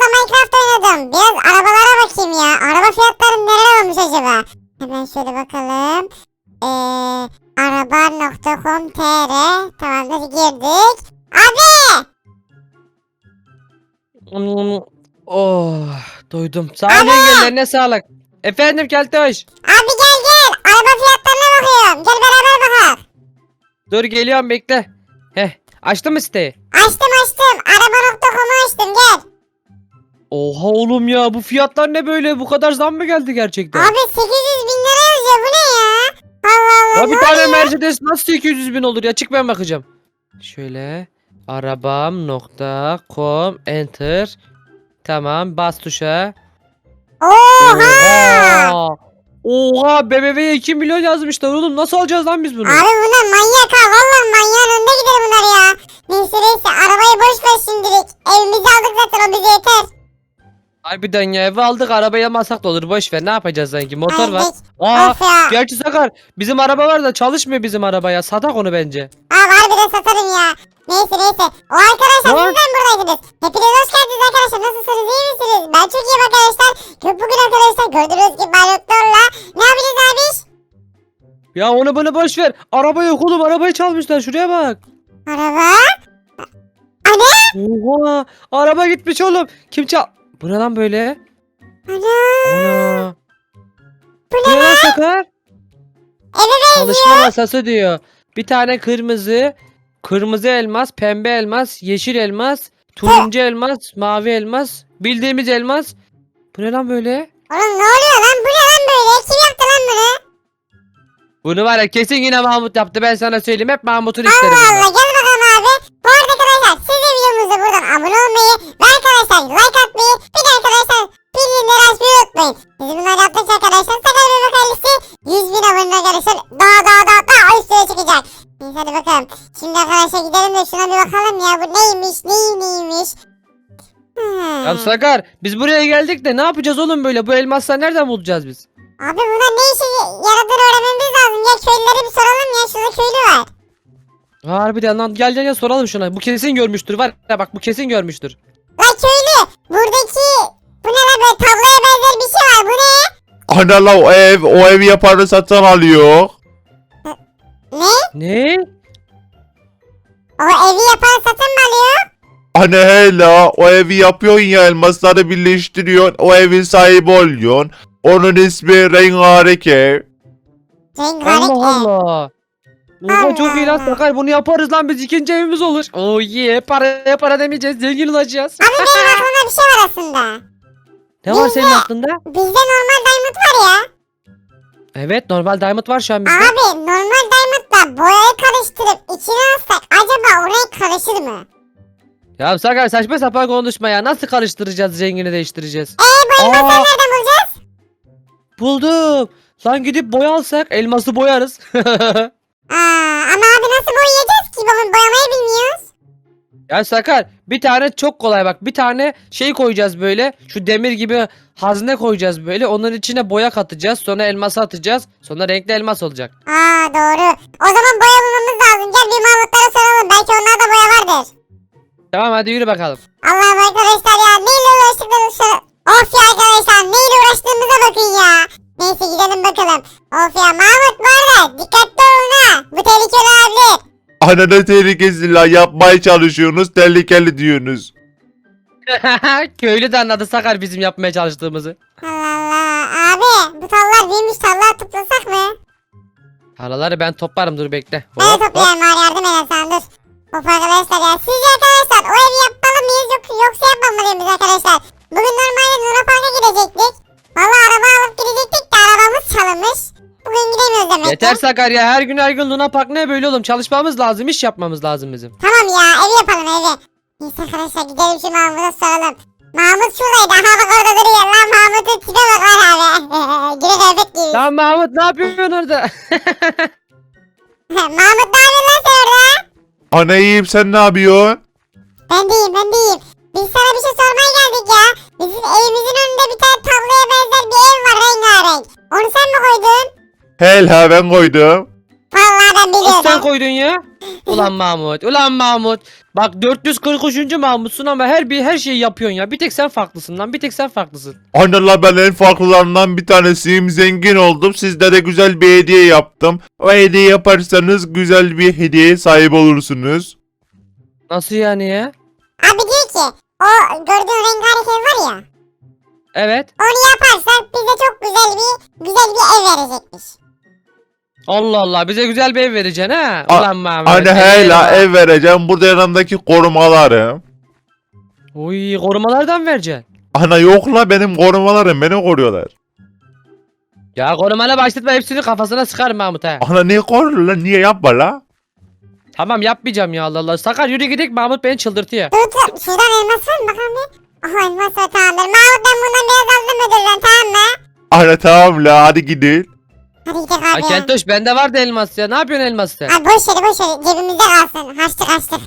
Minecraft oynadım. Biraz arabalara bakayım ya. Araba fiyatları neler olmuş acaba? Hemen şöyle bakalım. Araba.com.tr Tamamdır, girdik. Abi! Oh, doydum. Sağ olun yengelerine sağlık. Efendim Keltoş. Abi gel gel. Araba fiyatlarına bakıyorum. Gel beraber bakalım. Dur geliyorum bekle. Heh, açtın mı siteyi? Açtım. Araba.com'u açtım, gel. Oha oğlum ya, bu fiyatlar ne böyle? Bu kadar zam mı geldi gerçekten? Abi 800 bin lira yazıyor, bu ne ya? Allah Allah, Ya ne bir tane oluyor? Mercedes nasıl 800 bin olur ya? Çık ben bakacağım. Şöyle arabam.com enter. Tamam, bas tuşa. Oha! Oha! Oha, BMW'ye 2 milyon yazmışlar oğlum. Nasıl alacağız lan biz bunu? Abi bunlar manyak ha. Vallahi manyağın önünde gider bunlar ya. Neyse arabayı boş ver şimdilik. Evimizi aldık zaten, o bize yeter. Harbiden ya, eve aldık, arabaya almasak da olur, boş ver, ne yapacağız sanki, motor var. Aldık. Aa, Of ya. gerçi Sakar, bizim araba var da çalışmıyor bizim araba ya, satak onu bence. Abi harbiden satarım ya. Neyse. O arkadaşlar, Var. sizden buradaydınız. Hepiniz hoş geldiniz arkadaşlar. Nasılsınız, iyi misiniz? Ben çok iyiyim arkadaşlar. Bugün arkadaşlar gördüğünüz gibi Baloktor'la ne yapacağız abi? Ya onu bunu boş ver, araba yok oğlum, arabayı çalmışlar, şuraya bak. Araba? Ana? Oha, araba gitmiş oğlum, kim çal... Bu ne lan böyle? Ana? Ana. Bu Bu ne ne lan Sakar? Eve benziyor. Çalışma masası diyor. Bir tane kırmızı elmas, pembe elmas, yeşil elmas, turuncu elmas, mavi elmas, bildiğimiz elmas. Bu ne lan böyle? Oğlum ne oluyor lan? Bu ne lan böyle? Kim yaptı lan bunu? Bunu var ya, kesin yine Mahmut yaptı, ben sana söyleyeyim, hep Mahmut'un işleri Allah bunlar. Allah, gel bakalım abi. Bu arada arkadaşlar, siz de videomuza buradan abone olmayı ve arkadaşlar like atmayı, bir de arkadaşlar bildirimleri açmayı unutmayın. Biz bunları yaptıkça arkadaşlar Sakar Bebek ailesi 100 bin abone arkadaşlar daha üstüne çıkacak. Neyse hadi bakalım. Şimdi arkadaşlar gidelim de şuna bir bakalım ya, bu neymiş. Ya Sakar, biz buraya geldik de ne yapacağız oğlum böyle? Bu elmasları nereden bulacağız biz? Abi bunlar ne işe yaradığını öğrenmemiz lazım. Ya köylüleri bir soralım ya, şurada köylü var. Harbiden lan, gel soralım şuna. Bu kesin görmüştür, var ya bak, bu kesin görmüştür. Lan köylü, buradaki bu ne lan, böyle tabloya benzer bir şey var, bu ne? Ana la o evi yapanı satın alıyor. Ne? Ne? O evi yapan satın mı alıyor? Ana hele o evi yapıyorsun ya, elmasları birleştiriyorsun, o evin sahibi oluyorsun. Onun ismi Rengarenk ev. Rengarenk Allah ev. Allah. Oha, çok iyi lan Sakar, bunu yaparız lan, biz ikinci evimiz olur. Oh yeah, para demeyeceğiz, zengin olacağız. Abi benim aklımda bir şey var aslında. Ne var senin aklında? Bizde normal diamond var ya. Evet, normal diamond var şu an bizde. Abi normal diamondla boyayı karıştırıp içine alsak acaba o renk karışır mı? Ya Sakar, saçma sapan konuşma ya, nasıl karıştıracağız, rengini değiştireceğiz? Bu elmasları Aa, nereden bulacağız? buldum. Lan gidip boya alsak, elması boyarız. Ama abi nasıl boyayacağız ki? Boyamayı bilmiyoruz. Ya Sakar, bir tane çok kolay bak, bir tane şey koyacağız böyle, şu demir gibi hazne koyacağız böyle, onun içine boya katacağız, sonra elması atacağız, sonra renkli elmas olacak. Doğru. O zaman boya bulmamız lazım. Gel bir Mahmutlara soralım. Belki onlarda boya vardır. Tamam, hadi yürü bakalım. Allah'ım arkadaşlar ya. Neyle uğraştıklarını Of ya arkadaşlar. Neyle uğraştığımıza bakın ya. Neyse gidelim bakalım. Of ya Mahmut, bu arada dikkatli olun ha. Bu tehlikeli olabilir. Ana ne tehlikesi la, yapmaya çalışıyorsunuz, tehlikeli diyorsunuz. Köylü de anladı Sakar bizim yapmaya çalıştığımızı. Allah Allah. Abi bu tallar büyümüş, tallar toplasak mı? Paraları ben toplarım, dur bekle. Ben de toplayayım bari, yardım eden sen dur. Of arkadaşlar ya. Sizce arkadaşlar o evi yapmalı mıyız yoksa yapmamalıyız biz arkadaşlar? Bugün normalde Luna Park'a gidecektik. Valla araba alıp gidecektik de arabamız çalınmış. Bugün gidemiyoruz demek Yeter ki. Sakar ya, her gün Luna Park ne böyle oğlum, çalışmamız lazım, iş yapmamız lazım bizim. Tamam ya, evi yapalım evi. Neyse arkadaşlar gidelim şu Mahmut'a soralım. Mahmut şuradaydı. Aha bak orada duruyor lan, Mahmut'un tipe bak lan abi. Güle kıyafet giymiş. Lan Mahmut, ne yapıyorsun orada? Mahmut ne yapıyorsun lan sen orada? Ana iyiyim, sen ne yapıyorsun? Ben deyim. Biz sana bir şey sormaya geldik ya. Bizim evimizin önünde bir tane tabloya benzer bir ev var, rengarenk. Onu sen mi koydun? Hele ben koydum. Vallahi ben Nasıl sen biliyorum. koydun ya? Ulan Mahmut. Bak 443. Mahmutsun ama her şeyi yapıyorsun ya. Bir tek sen farklısın lan. Bir tek sen farklısın. Anne la ben en farklılarından bir tanesiyim. Zengin oldum. Sizlere güzel bir hediye yaptım. O hediye yaparsanız güzel bir hediyeye sahip olursunuz. Nasıl yani ya? Abi diyor ki o gördüğün rengarenk ev var ya. Evet. Onu yaparsak bize çok güzel bir ev verecekmiş. Allah Allah, bize güzel bir ev vereceksin ha. A- Ulan Mahmut. Anne hala ev vereceğim. Burada yanımdaki korumalarım. Uy, korumalardan vereceksin. Ana yok la benim korumalarım beni koruyorlar. Ya korumayla başlatma, hepsini kafasına sıkarım Mahmut ha. Ana niye koruyor la niye yapma la? Tamam yapmayacağım ya, Allah Allah. Sakar yürü gidelim, Mahmut beni çıldırtıyor. Dur şuradan elmas var mı bakalım bir. Aha elmas var tamamdır. Mahmut ben bundan biraz aldım müdürden tamam mı? Ana tamam la hadi gidin. Hadi gidelim Ay abi. Keltoş, bende vardı elmas ya. Ne yapıyorsun elması? Abi boş ver cebimizde kalsın. Haçtık.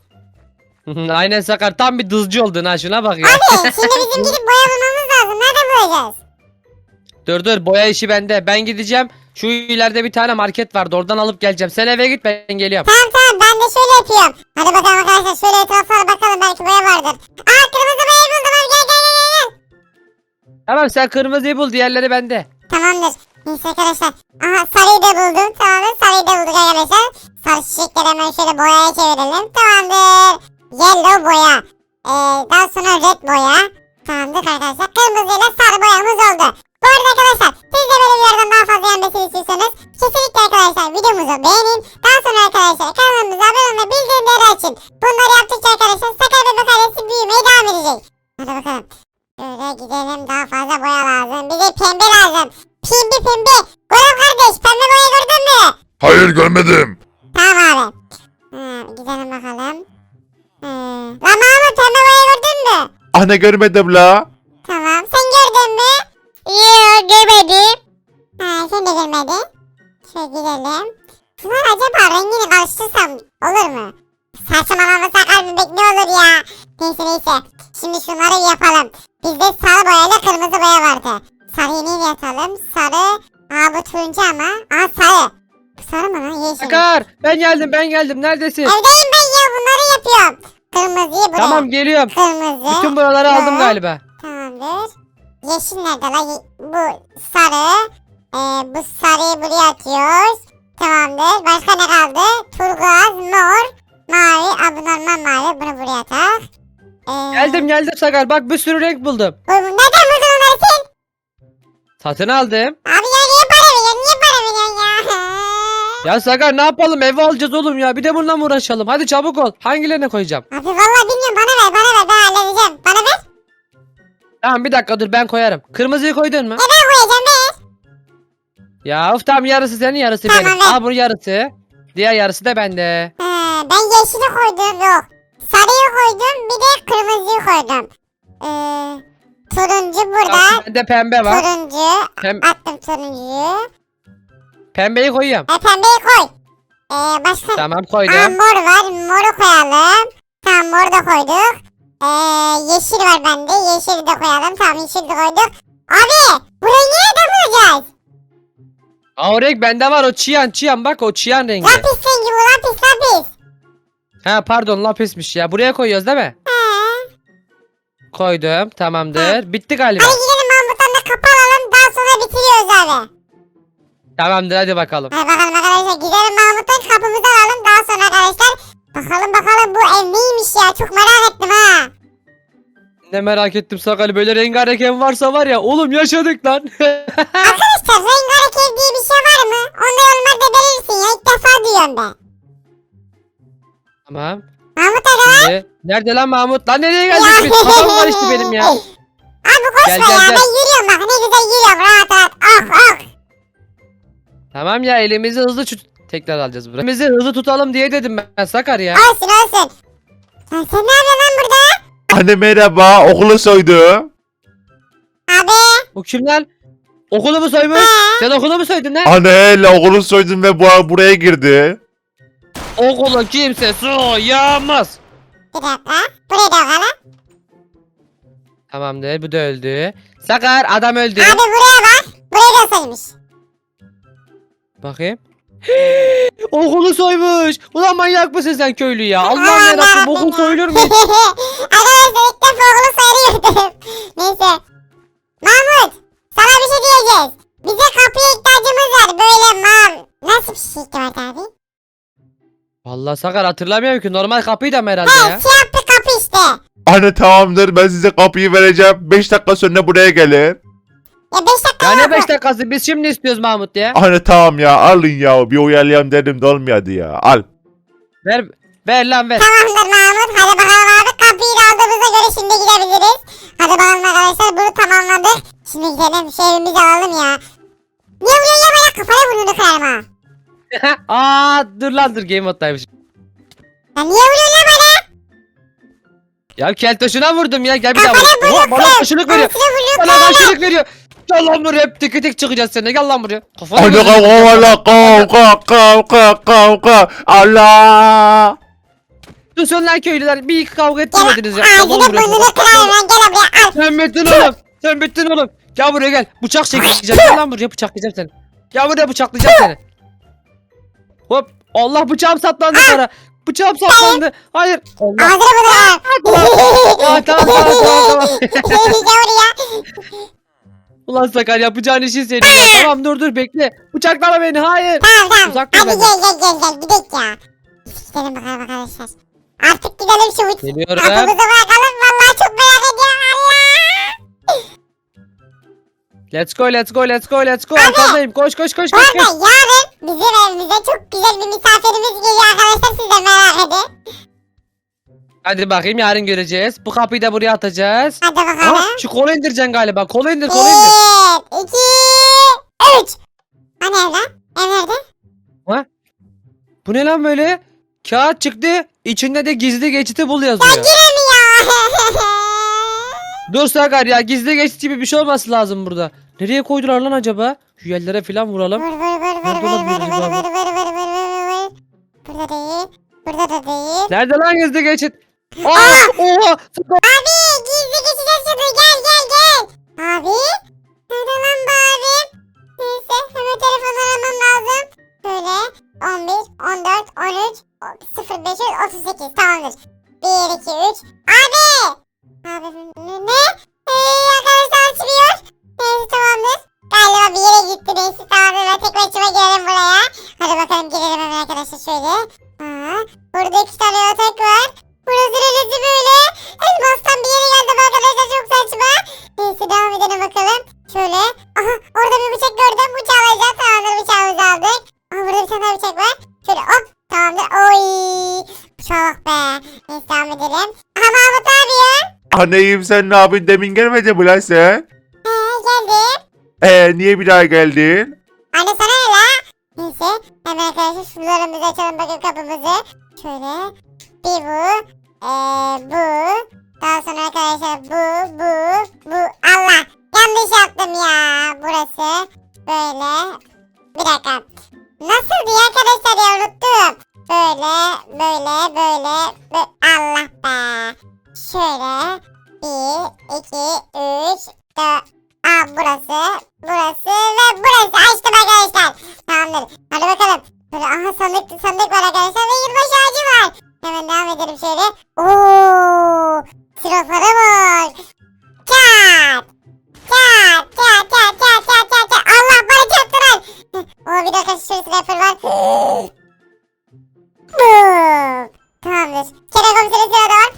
Aynen Sakar, tam bir dızcı oldun ha, şuna bak ya. Abi şimdi bizim gidip boya bulmamız lazım. Nereden bulacağız? Dur boya işi bende. Ben gideceğim. Şu ileride bir tane market vardı, oradan alıp geleceğim. Sen eve git, ben geliyorum. Tamam ben de şöyle yapıyorum. Hadi bakalım arkadaşlar şöyle etraflara bakalım belki boya vardır. Aa kırmızı boya buldum abi gel. Tamam, sen kırmızıyı bul, diğerleri bende. Tamamdır. Neyse arkadaşlar. Aha sarıyı da buldum. Tamamdır sarıyı da bulduk arkadaşlar. Sarı çiçekleri hemen şöyle boyaya çevirelim. Tamamdır. Yellow boya. Daha sonra red boya. Tamamdır arkadaşlar. Kırmızıyla sarı boyamız oldu. Bu arada arkadaşlar siz de böyle videolardan daha fazla yenmesini istiyorsanız kesinlikle arkadaşlar videomuzu beğenin. Daha sonra arkadaşlar kanalımıza abone olun ve bildirimleri açın. Bunları yaptıkça arkadaşlar Sakar Bebek ailesi büyümeye devam edecek. Hadi bakalım. Şöyle gidelim, daha fazla boya lazım. Bize pembe lazım. Pembe. Goran kardeş pembe boya gördün mü? Hayır görmedim. Tamam abi. Gidelim bakalım. Lan Mahmut pembe boya gördün mü? Anne görmedim la. Tamam sen gördün mü? Yok görmedim. Sen de görmedin. Şöyle gidelim. Şunlar acaba rengini karıştırsam olur mu? Saçmalama Sakar bebek ne olur ya. Neyse. Şimdi şunları yapalım. Bizde sarı boyayla kırmızı boya vardı. Sarıyı neyle yatalım? Sarı. Bu turuncu ama. Sarı. Bu sarı mı lan? Yeşil. Sakar, ben geldim. Neredesin? Evdeyim ben ya bunları yapıyorum. Kırmızıyı buraya. Tamam, geliyorum. Kırmızı. Bütün buraları aldım galiba. Tamamdır. Yeşil nerede la? Bu sarı. Bu sarıyı buraya atıyoruz. Tamamdır. Başka ne kaldı? Turkuaz, mor, mavi. Bu normal mavi. Bunu buraya tak. Geldim Sakar, bak bir sürü renk buldum. Nereden buldun onları sen? Satın aldım. Abi ya niye para veriyorsun? Niye para veriyorsun ya? Ya Sakar, ne yapalım, eve alacağız oğlum ya. Bir de bununla mı uğraşalım? Hadi çabuk ol. Hangilerine koyacağım? Abi vallahi bilmiyorum. Bana ver. Ben halledeceğim. Bana ver. Tamam, bir dakika dur, ben koyarım. Kırmızıyı koydun mu? Ben koyacağım ver. Ya of, tamam, yarısı senin, yarısı Tamam, benim. ver. Al, bu yarısı. Diğer yarısı da bende. Ben yeşili koydum. Yok. Sarıyı koydum. Bir de kırmızıyı koydum. Turuncu burada. Bak, bende pembe var. Turuncu. Attım turuncuyu. Pembeyi koyuyorum. Pembeyi koy. Başka. Tamam, koydum. Mor var. Moru koyalım. Tamam moru da koyduk. Yeşil var bende. Yeşili de koyalım. Tamam yeşili de koyduk. Abi burayı nereden bulacağız? Aa, o renk bende var, o çiyan, bak o çiyan rengi. Lapis rengi bu lapis. Ha pardon, lapismiş ya. Buraya koyuyoruz değil mi? Koydum, tamamdır. Bitti galiba. Hadi gidelim Mahmut'tan da kapı alalım. Daha sonra bitiriyoruz abi. Tamamdır, hadi bakalım. Hadi bakalım arkadaşlar gidelim Mahmut'tan kapımızı alalım. Daha sonra arkadaşlar bakalım bu ev neymiş ya. Çok merak ettim ha. Ne merak ettim Sakal, böyle rengarenk ev varsa var ya oğlum, yaşadık lan. Arkadaşlar rengarenk ev diye bir şey var mı? Onu yorumlarda belirsin ya. İlk defa duyuyorum ben. Tamam. Mahmut aga. Şimdi, nerede lan Mahmut? Lan nereye geldik biz? Kafam karıştı benim ya. Abi koşma Gel, ya. gel. Ben yürüyorum bak. Ne güzel yürüyorum. Rahat. Ah. Tamam ya, elimizi hızlı tekrar alacağız buraya. Elimizi hızlı tutalım diye dedim ben Sakar ya. Olsun. Sen ne yapıyorsun lan burada? Anne merhaba okulu soydu. Abi. O kim lan? Okulu mu soymuş? Sen okulu mu soydun lan? Anne hele okulu soydum ve buraya girdi. Okulu kimse soyamaz. Bir dakika. Buraya da bakalım. Tamamdır, bu da öldü. Sakar, adam öldü. Abi buraya bak. Buraya da saymış. Bakayım. Okulu soymuş. Ulan manyak mısın sen köylü ya? Allah'ım yarabbim okul soyulur mu? Arkadaşlar ilk defa okulu soyuyordum. Neyse. Mahmut sana bir şey diyeceğiz. Bize kapıya ihtiyacımız var. Böyle nasıl bir şey var abi? Vallahi Sakar hatırlamıyorum ki. Normal kapıyı da mı herhalde He ya? siyah bir kapı işte. Anne tamamdır ben size kapıyı vereceğim. 5 dakika sonra buraya gelin. Ya 5 dakika Ya ne yok. 5 dakikası? Biz şimdi istiyoruz Mahmut ya. Anne tamam ya alın ya bir uyarlayayım dedim de olmadı ya. Al. Ver. Ver lan ver. Tamamdır Mahmut. Hadi bakalım abi. Kapıyı da aldığımıza göre şimdi gidebiliriz. Hadi bakalım arkadaşlar bunu tamamladık. Şimdi gidelim şu evimizi alalım ya. Niye vuruyor ya bana kafaya burnunu kırarım ha. Aa dur lan dur game moddaymış. Ya niye vuruyor ya bana? Ya keltoşuna vurdum ya. Gel bir daha Kafana vur. Oha, bana karşılık veriyor. Anasını vuruyor Bana karşılık veriyor. Gel lan buraya. Hep tek tek çıkacağız seninle. Gel lan buraya. Kafana Anne vuracağım. kavga. Allah. Susun lan köylüler. Bir iki kavga ettirmediniz ya. Ağzını Gel lan buraya. burnunu kırarım ben gel buraya al. Sen bittin oğlum. Sen bittin oğlum. Gel buraya gel. Bıçak çekeceğim. Gel lan buraya bıçaklayacağım seni. Gel buraya bıçaklayacağım seni. Hop. Allah bıçağım saplandı bana. Bıçağım saplandı. Hayır. Allah. Ağzını burnunu Aa, tamam. Gel buraya. Ulan Sakar yapacağın işin senin ya. Tamam dur bekle. Bıçaklama beni. Hayır. Tamam. Uzak dur Hadi benden. gel gidelim ya. Gidelim bakalım arkadaşlar. Artık gidelim şu Geliyorum. kapımızı bırakalım. Vallahi çok merak ediyorum. Allah. Let's go. Arkandayım. Koş. Bu arada yarın bizim evimize çok güzel bir misafirimiz geliyor arkadaşlar. Siz de merak edin. Hadi bakayım yarın göreceğiz. Bu kapıyı da buraya atacağız. Hadi bakalım. Aa, şu kolu indireceksin galiba. Kolu indir. 1, 2, 3. Hani ev lan? Ev nerede? Bu ne lan böyle? Kağıt çıktı. İçinde de gizli geçiti bul yazıyor. Giremiyor. Dur Sakar ya gizli geçit gibi bir şey olması lazım burada. Nereye koydular lan acaba? Şu yerlere falan vuralım. Vur. Nerede olabilir acaba bu? Burada değil. Burada da değil. Nerede lan gizli geçit? Aa, oha! Abi gizli geçeceğiz şunu gel. Abi. Nerede lan bu abi? Neyse hemen telefonu aramam lazım. Böyle 11, 14, 13, 05, 38 tamamdır. 1, 2, 3. Abi. Abi ne? Arkadaşlar açmıyor. Neyse tamamdır. Galiba bir yere gitti neyse tamamdır. Ben tek başıma girelim buraya. Hadi bakalım girelim hemen arkadaşlar şöyle. Burada 2 tane yatak var. Burası neresi böyle? Elmastan bir yere geldim arkadaşlar çok saçma. Neyse devam edelim bakalım. Şöyle. Aha orada bir bıçak gördüm. Bıçağı alacağım. Tamamdır bıçağımızı aldık. Aha burada bir tane daha bıçak var. Şöyle hop tamamdır. Oy. Bıçağa bak be. Neyse devam edelim. Aha Mahmut ne yapıyor? Anneyim sen ne yapıyorsun demin gelmedi mi lan sen? Geldim. Niye bir daha geldin? Anne sana ne la? Neyse hemen arkadaşlar şuralarımızı açalım bakın kapımızı. Şöyle. Bir bu. Bu. Daha sonra arkadaşlar bu. Allah. Yanlış yaptım ya. Burası. Böyle. Bir dakika. Nasıldı ya arkadaşlar ya unuttum. Böyle. Allah be. Şöyle. 1, 2, 3, 4. Burası ve burası. Açtım arkadaşlar. Tamamdır. Hadi bakalım. Böyle aha sandık var arkadaşlar ve yılbaşı ağacı var. Hemen devam edelim şöyle. Ooo. Silahlara bak. Çat. Allah bana çarptı lan. Bir dakika şurası sniper var. Boom. Tamamdır. Kerem komiserin silahı da var.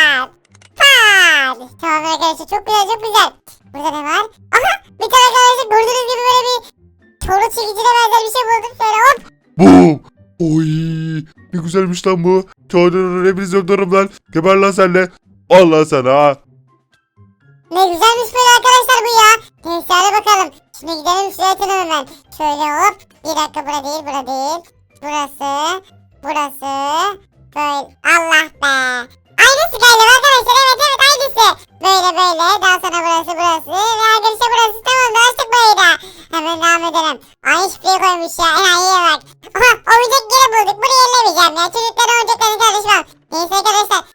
Pat. Tamamdır arkadaşlar çok güzel. Burada ne var? Aha bir tane arkadaşlar gördüğünüz gibi böyle bir çoru çekicine benzer bir şey buldum. Şöyle hop. Bu. Oy. Ne güzelmiş lan bu. Çoğunun hepinizi öldürürüm lan. Geber lan senle. Allah sana ha. Ne güzelmiş böyle arkadaşlar bu ya. Neyse hadi bakalım. Şimdi gidelim şuraya atalım hemen. Şöyle hop. Bir dakika bura değil. Burası. Böyle. Allah be. Aynısı galiba arkadaşlar. Evet aynısı. Böyle. Daha sonra burası. Ve arkadaşlar burası tamam. Açtık burayı da. Hemen devam edelim. Ay şifreyi koymuş ya. İyiye bak. Aha oyuncak yeri bulduk. Burayı ellemeyeceğim ya. Çocuklara oyuncaklarını karışmam. Neyse arkadaşlar.